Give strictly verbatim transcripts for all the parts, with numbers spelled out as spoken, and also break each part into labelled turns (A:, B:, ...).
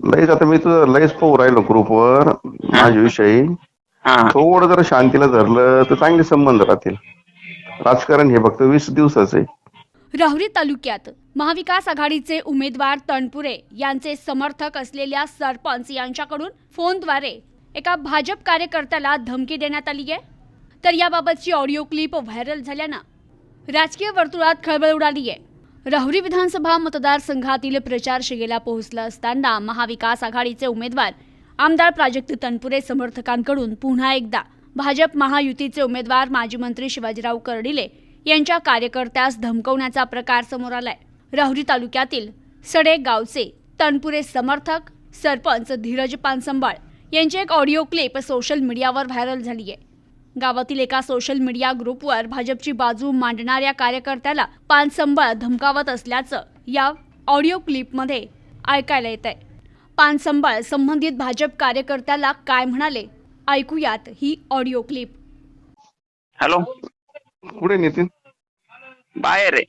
A: लयच आता मी तुझं लयच पाहू राहिलो ग्रुपवर
B: हा
A: माझ्याविषयी.
B: हा
A: थोडं जर शांतीला धरलं तर चांगले संबंध राहतील. राजकारण हे फक्त वीस दिवसाचं आहे.
C: राहुरी तालुक्यात महाविकास आघाडीचे उमेदवार तनपुरे यांचे समर्थक असलेल्या सरपंच यांच्याकडून फोनद्वारे एका भाजप कार्यकर्त्याला धमकी देण्यात आली आहे. तर याबाबतची ऑडिओ क्लिप व्हायरल झाल्यानं राजकीय वर्तुळात खळबळ उडाली आहे. राहुरी विधानसभा मतदारसंघातील प्रचार शिगेला पोहोचला असताना महाविकास आघाडीचे उमेदवार आमदार प्राजक्त तनपुरे समर्थकांकडून पुन्हा एकदा भाजप महायुतीचे उमेदवार माजी मंत्री शिवाजीराव कर्डिले यांच्या कार्यकर्त्यास धमकवण्याचा प्रकार समोर आलाय. राहुरी तालुक्यातील सडे गावचे तनपुरे समर्थक सरपंच धीरज पानसंबाळ यांची एक ऑडिओ क्लिप सोशल मीडियावर व्हायरल झाली आहे. गावातील एका सोशल मीडिया ग्रुपवर भाजपची बाजू मांडणाऱ्या कार्यकर्त्याला पानसंबाळ धमकावत असल्याचं या ऑडिओ क्लिपमध्ये ऐकायला येत आहे. पानसंबाळ संबंधित भाजप कार्यकर्त्याला काय म्हणाले ऐकूयात ही ऑडिओ क्लिप.
B: हॅलो,
A: कुठे नितीन?
B: बाहेर आहे.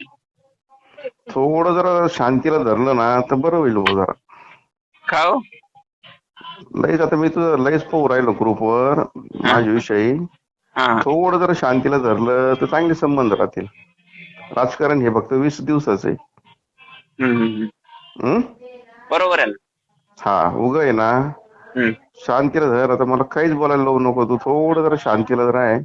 A: थोडं जरा शांतीला धरलं ना तर बरं होईल भाऊ जरा.
B: का हो?
A: लयच आता मी तुझं लयच पाहू राहिलो ग्रुपवर माझ्याविषयी.
B: हा
A: थोडं जर शांतीला धरलं तर चांगले संबंध राहतील. राजकारण हे फक्त वीस दिवसाचं आहे.
B: हम्म, हम्म.
A: हं?
B: बरोबर आहे ना.
A: हा उग आहे ना.
B: हम्म.
A: शांतीला धर. आता मला काहीच बोलायला लावू नको. तू थोडं जरा शांतीला जर आहे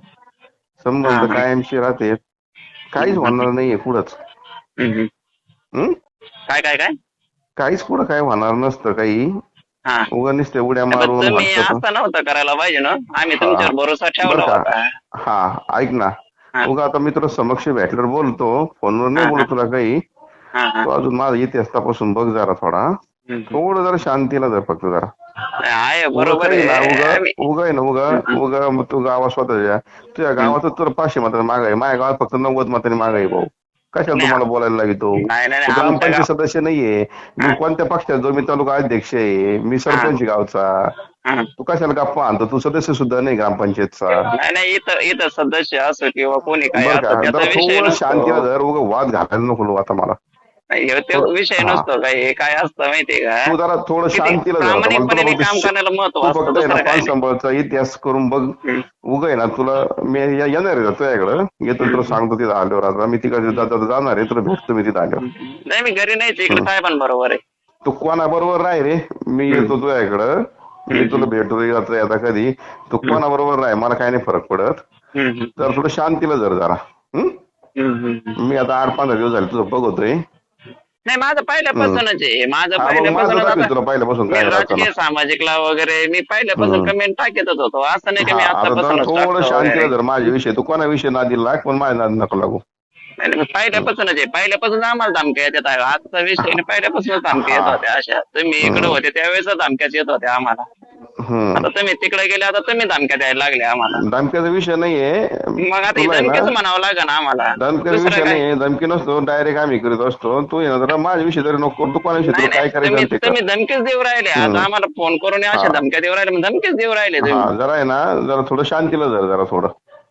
A: संबंध
B: हा.
A: कायमशी राहते. काहीच होणार नाहीये पुढंच.
B: हम्म.
A: हं?
B: काय काय काय
A: काहीच पुढं काय होणार नसतं काही.
B: हा
A: उगा नुसते उड्या
B: पण
A: मारून
B: तुम्ही
A: वाटतं.
B: असं नव्हतं करायला पाहिजे ना. आम्ही
A: हा.
B: तुमच्यावर भरोसा ठेवला
A: बरं
B: होता.
A: का? हा ऐक ना.
B: हा.
A: उगा आता मी तुला समक्ष भेटल्यावर बोलतो. फोनवर नाही
B: हा,
A: बोलत
B: हा.
A: तुला काही.
B: हा, हा.
A: तू अजून माझा इतिहास तपासून बघ जरा थोडा.
B: हम्म.
A: थोडं जरा शांतीला धर फक्त जरा.
B: आहे
A: उगा
B: बरोबर
A: काही ना
B: आहे.
A: उगा
B: आम्ही-
A: उगा आहे ना उगा उगा मग तू गावात स्वतःच्या तुझ्या गावात तुला पाचशे मतांनी माग आहे. माझ्या गावात फक्त नव्वद मतांनी माग आहे भाऊ. कशाला
B: नाही,
A: तुम्हाला बोलायला लागतो?
B: नाही नाही नाही,
A: तू
B: आमच्या
A: ग्रामपंचायत
B: गाव-
A: सदस्य नाहीये. मी कोणत्या पक्षात जो मी तालुका अध्यक्ष आहे. मी सरपंच गावचा.
B: हा.
A: तू कशाला गप्पा आणतो? तू सदस्य सुद्धा नाही ग्रामपंचायतचा.
B: नाही नाही इथं इथं सदस्य असो किंवा कोणी काय
A: बरं
B: असो
A: का?
B: त्याचा
A: जरा
B: विषय
A: थोडं शांतीला
B: नसतो.
A: धर. उगा वाद घालायला नको आता मला.
B: नाही, ह्यो तो विषय
A: हा.
B: नसतो. काय हे काय असतं माहितीये का?
A: तू जरा थोडं
B: किती
A: शांतीला धर. आता मला तुला
B: प्रामाणिकपणे काम
A: फक्त
B: करण्याला महत्व
A: तू
B: असतं.
A: फक्त आहे ना
B: दुसरं काय नाही.
A: पानसंबळचा इतिहास करून बघ.
B: हम्म.
A: उगा आहे ना तुला मी या- येणार आहे तुझ्याकडं. येतो तुला सांगतो तिथं आल्यावर. आता मी तिकडे जाता जाणार आहे. तुला भेटतो मी तिथं आल्यावर.
B: नाही मी घरी नाही इकडे काय पण बरोबर आहे.
A: तू कोणाबरोबर राह रे. मी येतो तुझ्याकडं. मी तुला भेटतो आता आता कधी. तू कोणाबरोबर राह मला काही नाही फरक पडत.
B: हम्म,
A: तर थोडं शांतीला धर जरा. हं?
B: हम्म, हम्म.
A: मी आता आठ पंधरा दिवस झाले तुझं बघतोय.
B: नाही माझं पहिल्यापासूनच आहे. माझं
A: हा मग माझं
B: पहिल्यापासूनच
A: दाखव
B: आता-
A: तुला पहिल्यापासून
B: मी
A: काय
B: राजकीय
A: राहतं.
B: सामाजिकला वगैरे मी पहिल्यापासून
A: हम्म.
B: कमेंट टाकतच होतो. असं नाही की मी
A: हा आता जरा
B: आतापासूनच
A: थोडं
B: टाकतो
A: शांतीला
B: वगैरे.
A: धर माझ्याविषयी. तू कोणाविषयी नादी लाग पण माझ्या नादी नको लागू.
B: नाही, नाही, मी पहिल्यापासूनच आहे. पहिल्यापासून आम्हाला धमक्या येतात आहे. आजचा विषय नाही, पहिल्यापासूनच धमक्या येत
A: हा.
B: होत्या अशा. तुम्ही इकडे होते त्यावेळेस धमक्याच येत होत्या आम्हाला.
A: हम्म.
B: आता तुम्ही तिकडे गेले आता तुम्ही धमक्या द्यायला लागले आम्हाला.
A: धमक्याचा विषय नाहीये.
B: मग आता
A: तुला
B: ही
A: आहे
B: धमकीच
A: ना
B: म्हणावं लागेल ना आम्हाला.
A: धमक्याचा
B: दुसरं
A: विषय
B: काय?
A: नाही. धमकी नसतो. डायरेक्ट आम्ही करीत असतो. तू आहे ना जरा माझ्याविषयी तरी नको करू. तू कोणाविषयी
B: नाही
A: तुला काय
B: नाही
A: करायचं
B: तुम्ही
A: ते कर.
B: तुम्ही धमकीच देऊ राहिले.
A: हम्म.
B: आता आम्हाला फोन करून अशा
A: हा.
B: धमक्या देऊ राहिले. मग धमकीच देऊ राहिले
A: हा
B: तुम्ही.
A: जरा आहे ना जरा थोडं शांतीला धर जरा थोडं.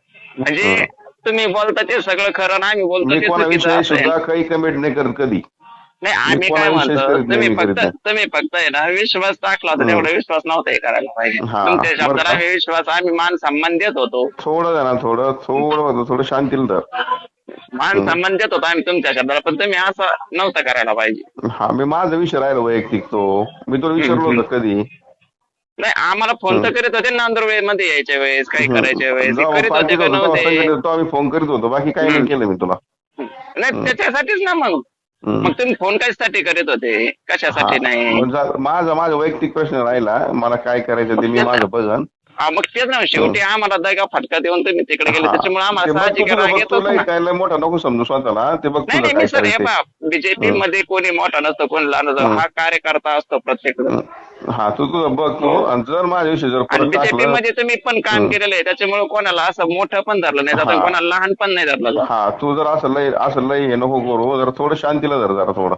B: म्हणजे तुम्ही बोलता ते सगळं खरं ना आम्ही बोलतो
A: मी
B: ते चुकीचं
A: कोणाविषयी
B: असं आहे.
A: सुद्धा काही कमेंट नाही करत कधी.
B: नाही आम्ही काय
A: कोणाविषयीच
B: म्हणतो
A: करीत नाही,
B: तुम्ही
A: मी
B: फक्त
A: करीत नाही.
B: तुम्ही फक्त आहे ना विश्वास टाकला होता
A: हम्म.
B: तेवढा विश्वास नव्हता हे करायला पाहिजे.
A: हा,
B: तुमच्या
A: बरं
B: शब्दाला
A: का?
B: आम्ही विश्वास आम्ही मान सन्मान देत होतो.
A: थोडं आहे ना थोडं थोडं थोडं शांतीला धर.
B: मान सन्मान देत होतो आम्ही तुमच्या शब्दाला. पण तुम्ही असं नव्हतं करायला पाहिजे.
A: हा मी माझा विषय राहिला वैयक्तिक तो. मी तुला विचारलो
B: हम्म.
A: होतं कधी.
B: नाही आम्हाला फोन तर करीत होते नांदुरवे मध्ये यायच्या वेळेस काही करायच्या वेळेस हे
A: जेव्हा
B: करीत होते
A: पार्टीत
B: का
A: होतो तेव्हा
B: नव्हते.
A: संघटनेत तो आम्ही फोन करीत होतो. बाकी काही नाही
B: हम्म.
A: केलं मी तुला.
B: नाही त्याच्यासाठीच ना मग
A: हम्म.
B: मग तुम्ही फोन कशासाठी करीत होते कशासाठी
A: हा.
B: नाही.
A: मग जा- माझा माझा वैयक्तिक प्रश्न राहिला. मला काय करायचं ते मी माझं बघन.
B: हा, मग तेच ना शेवटी आम्हाला दगा फटका देऊन तुम्ही तिकडे गेले
A: हा.
B: त्याच्यामुळे
A: ते
B: आम्हाला
A: बघ
B: साहजिक
A: तुझं
B: राग
A: बघ
B: येतोच
A: तुला
B: ना.
A: काय लय मोठा नको समजू स्वतःला. ते बघ
B: नाही
A: तुझं
B: नाही
A: काय
B: मी सर हे
A: करायचं.
B: पहा बीजेपी मध्ये कोणी मोठा नसतो कोणी लहान नसतो. हा कार्यकर्ता असतो प्रत्येक जण.
A: हा तू तुझं बघ तू. आणि जर माझ्याविषयी जर
B: आणि
A: परत
B: बीजेपी
A: टाकलं.
B: मध्ये तुम्ही पण काम केलेलं आहे त्याच्यामुळे कोणाला असं मोठं पण धरलं नाही जात
A: हा.
B: कोणाला लहान पण नाही धरलं जात.
A: हा तू जर असं लय असं लय हे नको करू. जरा थोडं शांतीला धर जरा थोडं.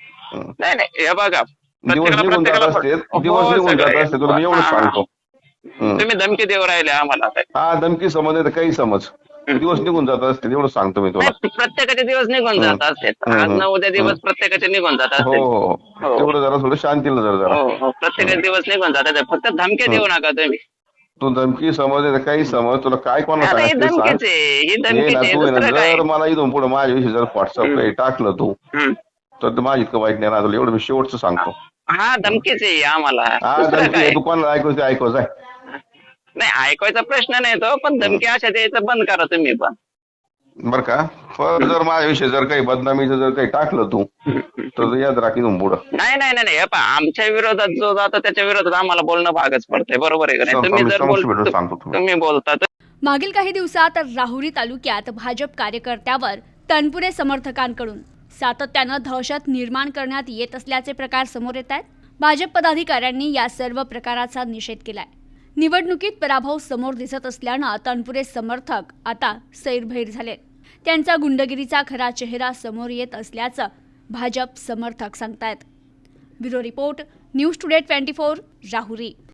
B: नाही नाही हे बघा
A: दिवस
B: प्रत्येकाला
A: निघून जात
B: प्रत्येकाला
A: असते.
B: हो,
A: दिवस निघून
B: सगळं
A: जात
B: आहे.
A: असते तुला मी एवढंच
B: हा,
A: सांगतो. हम्म.
B: तुम्ही धमकी देऊ राहिले आम्हाला.
A: हा धमकी समज नाही तर काही समज. दिवस निघून जात असतील एवढं सांगतो मी तुला.
B: नाही, प्रत्येकाचे दिवस निघून जात असतात.
A: हम्म,
B: आज ना उद्या
A: हम्म.
B: दिवस प्रत्येकाचे निघून जात
A: हो
B: असतात.
A: हो
B: हो.
A: तेवढं जरा थोडं शांतीला जर जरा
B: हो हो प्रत्येकाचे दिवस निघून जातात. फक्त धमक्या देऊ नका तुम्ही.
A: तू धमकी समज नाही तर काही समज तुला काय कोणाला
B: आता ही
A: सांगायचं ते सांग.
B: धमकीच आहे, ही
A: हे ना
B: धमकीच
A: तू आहे ना
B: दुसरं काय.
A: जर मला इथून पुढे माझ्याविषयी जर व्हॉट्सअप काही टाकलं तू
B: हम्म.
A: तर ते माझी इतकं वाईट नाही राहतं एवढं मी शेवटचं सांगतो.
B: हा धमकीच आहे आम्हाला.
A: हा
B: दुसरं
A: धमकी
B: काय.
A: आहे, तू कोणाला ऐकू ते ऐकू जाय.
B: नाही ऐकायचा प्रश्न नाही तो, पण धमकी अशा द्यायचं बंद करा तुम्ही पण.
A: बर का पण जर माझ्याविषयी जर काही बदनामीचं जर काही टाकलं तू तर याद राख इथून पुढं.
B: नाही नाही नाही नाही, हे पहा, आमच्या विरोधात जो जातो त्याच्या विरोधात आम्हाला बोलणं भागच पडतंय. बरोबर आहे का नाही. तुम्ही
A: आम्ही
B: जर
A: समक्ष भेटून
B: बोल
A: सांगतो तुला.
B: तुम्ही बोलता तर
C: मागील काही दिवसात राहुरी तालुक्यात भाजप कार्यकर्त्यावर तनपुरे समर्थकांकडून सातत्यानं दहशत निर्माण करण्यात येत असल्याचे प्रकार समोर येत आहेत. भाजप पदाधिकाऱ्यांनी या सर्व प्रकाराचा निषेध केलाय. निवडणुकीत पराभव समोर दिसत असल्यानं तनपुरे समर्थक आता सैरभैर झाले. त्यांचा गुंडगिरीचा खरा चेहरा समोर येत असल्याचं भाजप समर्थक सांगतायत. Bureau report, news today twenty four, Rahuri.